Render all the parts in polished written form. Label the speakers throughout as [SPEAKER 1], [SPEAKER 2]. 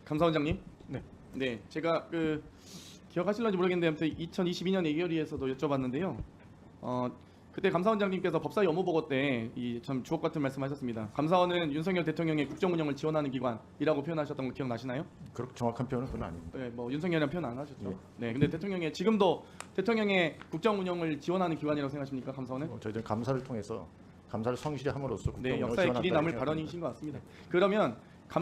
[SPEAKER 1] 감사원장님.
[SPEAKER 2] 네.
[SPEAKER 1] 네, 제가 기억하실런지 모르겠는데 아무튼 2022년 예결위에서도 여쭤봤는데요. 그때 감사원장님께서 법사위 업무보고 때 이 참 주옥 같은 말씀하셨습니다. 감사원은 윤석열 대통령의 국정 운영을 지원하는 기관이라고 표현하셨던 거 기억나시나요?
[SPEAKER 2] 그렇게 정확한 표현은 그건 아닙니다.
[SPEAKER 1] 네, 뭐 윤석열이라는 표현 안 하셨죠.
[SPEAKER 2] 네.
[SPEAKER 1] 네, 근데 대통령의 지금도 대통령의 국정 운영을 지원하는 기관이라고 생각하십니까, 감사원은?
[SPEAKER 2] 저희들 감사를 통해서 감사를 성실히 함으로써
[SPEAKER 1] 네,
[SPEAKER 2] 국정 운영을
[SPEAKER 1] 역사에 길이
[SPEAKER 2] 지원한다고
[SPEAKER 1] 남을
[SPEAKER 2] 생각합니다.
[SPEAKER 1] 발언이신 것 같습니다. 그러면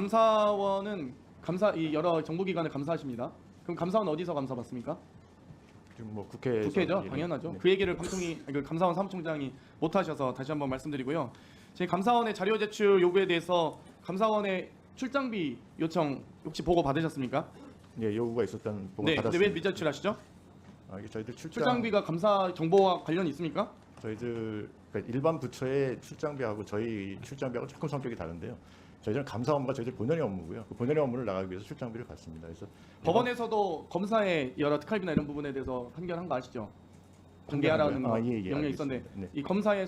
[SPEAKER 1] 감사원은 이 여러 정부기관을 감사하십니다. 그럼 감사원 어디서 감사받습니까?
[SPEAKER 2] 지금 뭐 국회에서
[SPEAKER 1] 국회죠,
[SPEAKER 2] 예,
[SPEAKER 1] 당연하죠.
[SPEAKER 2] 네.
[SPEAKER 1] 그 얘기를 감사원 사무총장이 못하셔서 다시 한번 말씀드리고요. 제 감사원의 자료 제출 요구에 대해서 감사원의 출장비 요청 혹시 보고 받으셨습니까?
[SPEAKER 2] 예, 요구가 있었던 보고
[SPEAKER 1] 네, 근데
[SPEAKER 2] 받았습니다.
[SPEAKER 1] 왜 미제출하시죠?
[SPEAKER 2] 이게 저희들
[SPEAKER 1] 출장비가 감사 정보와 관련이 있습니까?
[SPEAKER 2] 저희들 그러니까 일반 부처의 출장비하고 저희 출장비하고 조금 성격이 다른데요. 저희들은 감사 업무가 저희들 본연의 업무고요. 그 본연의 업무를 나가기 위해서 출장비를 받습니다. 그래서
[SPEAKER 1] 법원에서도 검사의 여러 특활비나 이런 부분에 대해서 판결한 거 아시죠? 공개하라는 거
[SPEAKER 2] 예, 예,
[SPEAKER 1] 명령이
[SPEAKER 2] 알겠습니다.
[SPEAKER 1] 있었는데
[SPEAKER 2] 네.
[SPEAKER 1] 이 검사의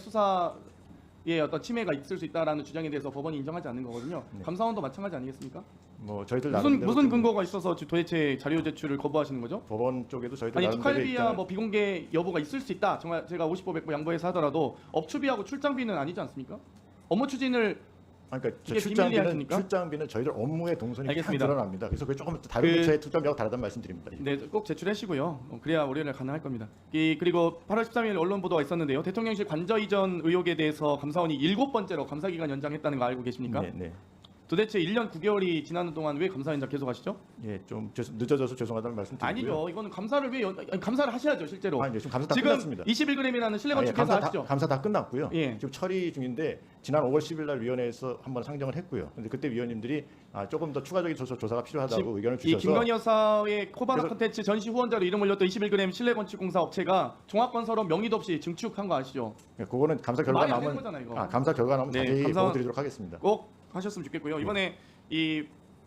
[SPEAKER 1] 수사에 어떤 침해가 있을 수 있다라는 주장에 대해서 법원이 인정하지 않는 거거든요.
[SPEAKER 2] 네.
[SPEAKER 1] 감사원도 마찬가지 아니겠습니까?
[SPEAKER 2] 뭐 저희들
[SPEAKER 1] 무슨
[SPEAKER 2] 나름대로 좀
[SPEAKER 1] 근거가 있어서 도대체 자료 제출을 거부하시는 거죠?
[SPEAKER 2] 법원 쪽에도 저희들
[SPEAKER 1] 아니
[SPEAKER 2] 나름대로
[SPEAKER 1] 특활비야
[SPEAKER 2] 입장을-
[SPEAKER 1] 뭐 비공개 여부가 있을 수 있다. 정말 제가 50보 100보 양보해서 하더라도 업추비하고 출장비는 아니지 않습니까? 업무 추진을
[SPEAKER 2] 그러니까 저
[SPEAKER 1] 이게 비밀리하십니까?
[SPEAKER 2] 출장비는 저희들 업무의 동선이 딱
[SPEAKER 1] 알겠습니다.
[SPEAKER 2] 드러납니다. 그래서 그게 조금 다른
[SPEAKER 1] 그-
[SPEAKER 2] 부처의 출장비하고 다르다는 말씀드립니다.
[SPEAKER 1] 네, 꼭 제출하시고요. 그래야 월요일에 가능할 겁니다. 그리고 8월 13일 언론 보도가 있었는데요. 대통령실 관저 이전 의혹에 대해서 감사원이 7번째로 감사 기간 연장했다는 거 알고 계십니까?
[SPEAKER 2] 네, 네.
[SPEAKER 1] 도대체 1년 9개월이 지나는 동안 왜 감사 연장 계속 하시죠?
[SPEAKER 2] 예, 좀 늦어져서 죄송하다는 말씀드리고요.
[SPEAKER 1] 아니죠. 이거는 감사를 감사를 하셔야죠, 실제로.
[SPEAKER 2] 아니, 지금 감사 다
[SPEAKER 1] 지금
[SPEAKER 2] 끝났습니다.
[SPEAKER 1] 21g이라는 신뢰
[SPEAKER 2] 아, 예,
[SPEAKER 1] 건축회사 아시죠?
[SPEAKER 2] 감사 다 끝났고요.
[SPEAKER 1] 예.
[SPEAKER 2] 지금 처리 중인데 지난 5월 10일 날 위원회에서 한번 상정을 했고요. 근데 그때 위원님들이 조금 더 추가적인 조사가 필요하다고 의견을
[SPEAKER 1] 이
[SPEAKER 2] 주셔서
[SPEAKER 1] 김건희 여사의 코바나
[SPEAKER 2] 그래서-
[SPEAKER 1] 콘텐츠 전시 후원자로 이름 올렸던 21g 실내건축공사 업체가 종합건설업 명의도 없이 증축한 거 아시죠?
[SPEAKER 2] 예, 그거는 감사 결과
[SPEAKER 1] 말이 안 되는
[SPEAKER 2] 나오면
[SPEAKER 1] 거잖아요, 이거.
[SPEAKER 2] 감사 결과 나오면
[SPEAKER 1] 네,
[SPEAKER 2] 자세히
[SPEAKER 1] 감사원-
[SPEAKER 2] 보여드리도록 하겠습니다.
[SPEAKER 1] 꼭 하셨으면 좋겠고요. 이번에 이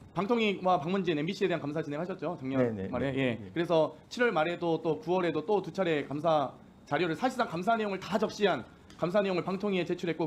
[SPEAKER 1] 방통위와 박문진 MBC에 대한 감사 진행하셨죠, 작년
[SPEAKER 2] 네, 네,
[SPEAKER 1] 말에.
[SPEAKER 2] 네,
[SPEAKER 1] 예.
[SPEAKER 2] 네.
[SPEAKER 1] 그래서 7월 말에도 또 9월에도 또 두 차례 감사 자료를 사실상 감사 내용을 다 적시한 감사 내용을 방통위에 제출했고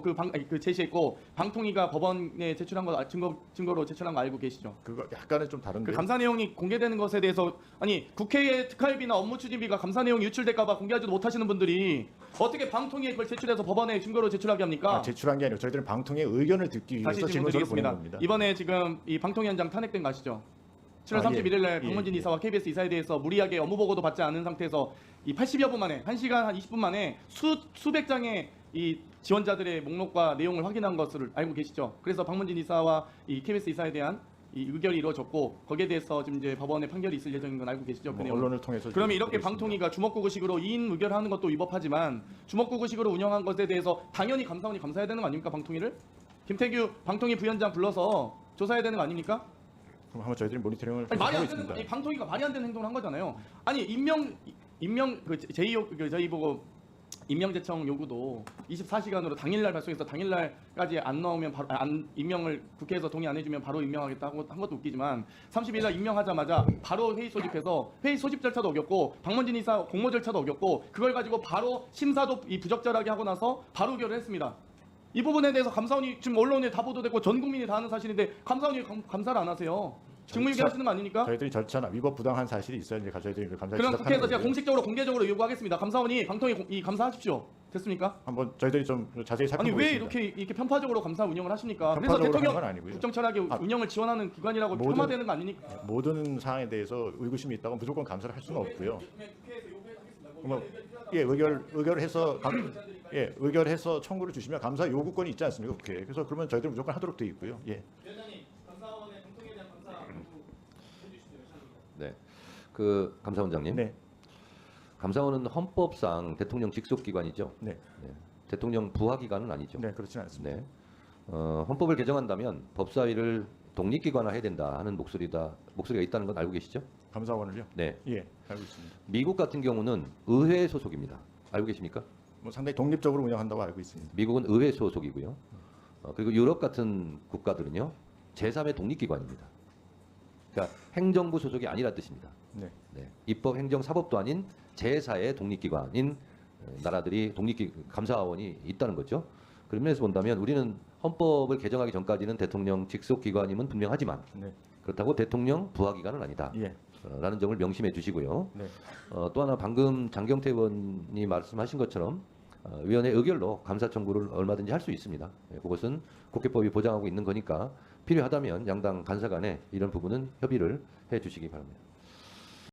[SPEAKER 1] 제시했고 방통위가 법원에 제출한 거 증거로 제출한 거 알고 계시죠?
[SPEAKER 2] 그거 약간은 좀 다른데.
[SPEAKER 1] 그 감사 내용이 공개되는 것에 대해서 아니 국회의 특활비나 업무 추진비가 감사 내용이 유출될까봐 공개하지도 못하시는 분들이 어떻게 방통위에 그걸 제출해서 법원에 증거로 제출하게 합니까?
[SPEAKER 2] 제출한 게 아니고 저희들은 방통의 의견을 듣기 위해서
[SPEAKER 1] 다시 질문
[SPEAKER 2] 질문서를 보낸
[SPEAKER 1] 드리겠습니다.
[SPEAKER 2] 겁니다.
[SPEAKER 1] 이번에 지금 이 방통위원장 탄핵된 거 아시죠? 7월
[SPEAKER 2] 아,
[SPEAKER 1] 31일 날
[SPEAKER 2] 예,
[SPEAKER 1] 박문진
[SPEAKER 2] 예.
[SPEAKER 1] 이사와 KBS 이사에 대해서 무리하게 업무 보고도 받지 않은 상태에서 이 80여 분 만에 1시간 한 20분 만에 수백 장의 이 지원자들의 목록과 내용을 확인한 것을 알고 계시죠? 그래서 박문진 이사와 이 KBS 이사에 대한 이 의결이 이루어졌고 거기에 대해서 지금 이제 법원의 판결이 있을 예정인 건 알고 계시죠? 그
[SPEAKER 2] 뭐
[SPEAKER 1] 내용을.
[SPEAKER 2] 언론을 통해서
[SPEAKER 1] 그러면 이렇게
[SPEAKER 2] 보겠습니다.
[SPEAKER 1] 방통위가 주먹구구식으로 2인 의결하는 것도 위법하지만 주먹구구식으로 운영한 것에 대해서 당연히 감사원이 감사해야 되는 거 아닙니까? 방통위를? 김태규 방통위 부위원장 불러서 조사해야 되는 거 아닙니까?
[SPEAKER 2] 그럼 한번 저희들이 모니터링을
[SPEAKER 1] 아니, 말이
[SPEAKER 2] 하고
[SPEAKER 1] 안 되는
[SPEAKER 2] 있습니다.
[SPEAKER 1] 아니, 방통위가 말이 안 되는 행동을 한 거잖아요. 아니 임명 저희 보고 임명제청 요구도 24시간으로 당일날 발송해서 당일날까지 안 나오면 바로 임명을 국회에서 동의 안 해주면 바로 임명하겠다 한 것도 웃기지만 30일날 임명하자마자 바로 회의 소집해서 회의 소집 절차도 어겼고 박문진 이사 공모 절차도 어겼고 그걸 가지고 바로 심사도 부적절하게 하고 나서 바로 의결을 했습니다. 이 부분에 대해서 감사원이 지금 언론에 다 보도됐고 전 국민이 다 아는 사실인데 감사원이 감사를 안 하세요. 직무유기 하시는 거 아닙니까?
[SPEAKER 2] 저희들이 절차나 위법 부당한 사실이 있어야 이제 저희들이 감사를
[SPEAKER 1] 그럼
[SPEAKER 2] 시작하는
[SPEAKER 1] 국회에서 제가
[SPEAKER 2] 거고요.
[SPEAKER 1] 공식적으로 공개적으로 요구하겠습니다. 감사원이 방통위 감사하십시오. 됐습니까?
[SPEAKER 2] 한번 저희들이 좀 자세히
[SPEAKER 1] 아니
[SPEAKER 2] 살펴보겠습니다.
[SPEAKER 1] 왜 이렇게 편파적으로 감사 운영을 하십니까? 그래서
[SPEAKER 2] 편파적으로
[SPEAKER 1] 대통령
[SPEAKER 2] 하는 건 아니고요.
[SPEAKER 1] 국정철학의 운영을 지원하는 기관이라고
[SPEAKER 2] 모든-
[SPEAKER 1] 폄하되는 거 아니니까?
[SPEAKER 2] 모든 사항에 대해서 의구심이 있다고 무조건 감사를 할 수는 없고요.
[SPEAKER 1] 국회에서 요구하겠습니다.
[SPEAKER 2] 뭐, 의결해서 청구를 주시면 감사 요구권이 있지 않습니까? 국회에. 그래서 그러면 저희들은 무조건 하도록 되어 있고요. 예.
[SPEAKER 1] 위원장님, 감사원의 방통위에 대한 감사 해주시죠.
[SPEAKER 3] 네, 감사원장님.
[SPEAKER 2] 네.
[SPEAKER 3] 감사원은 헌법상 대통령 직속 기관이죠.
[SPEAKER 2] 네.
[SPEAKER 3] 네. 대통령 부하 기관은 아니죠.
[SPEAKER 2] 네, 그렇지는 않습니다.
[SPEAKER 3] 네. 헌법을 개정한다면 법사위를 독립기관화해야 된다 하는 목소리가 있다는 건 알고 계시죠?
[SPEAKER 2] 감사원을요?
[SPEAKER 3] 네.
[SPEAKER 2] 예, 알고 있습니다.
[SPEAKER 3] 미국 같은 경우는 의회 소속입니다. 알고 계십니까?
[SPEAKER 2] 뭐 상당히 독립적으로 운영한다고 알고 있습니다.
[SPEAKER 3] 미국은 의회 소속이고요. 그리고 유럽 같은 국가들은요 제3의 독립기관입니다. 그러니까 행정부 소속이 아니라 뜻입니다.
[SPEAKER 2] 네.
[SPEAKER 3] 네. 입법, 행정, 사법도 아닌 제4의 독립기관인 나라들이 감사원이 있다는 거죠. 그런 면에서 본다면 우리는 헌법을 개정하기 전까지는 대통령 직속 기관임은 분명하지만
[SPEAKER 2] 네.
[SPEAKER 3] 그렇다고 대통령 부하기관은 아니다.
[SPEAKER 2] 예.
[SPEAKER 3] 라는 점을 명심해 주시고요.
[SPEAKER 2] 네.
[SPEAKER 3] 또 하나 방금 장경태 의원이 말씀하신 것처럼 위원회 의결로 감사 청구를 얼마든지 할 수 있습니다. 그것은 국회법이 보장하고 있는 거니까 필요하다면 양당 간사 간에 이런 부분은 협의를 해 주시기 바랍니다.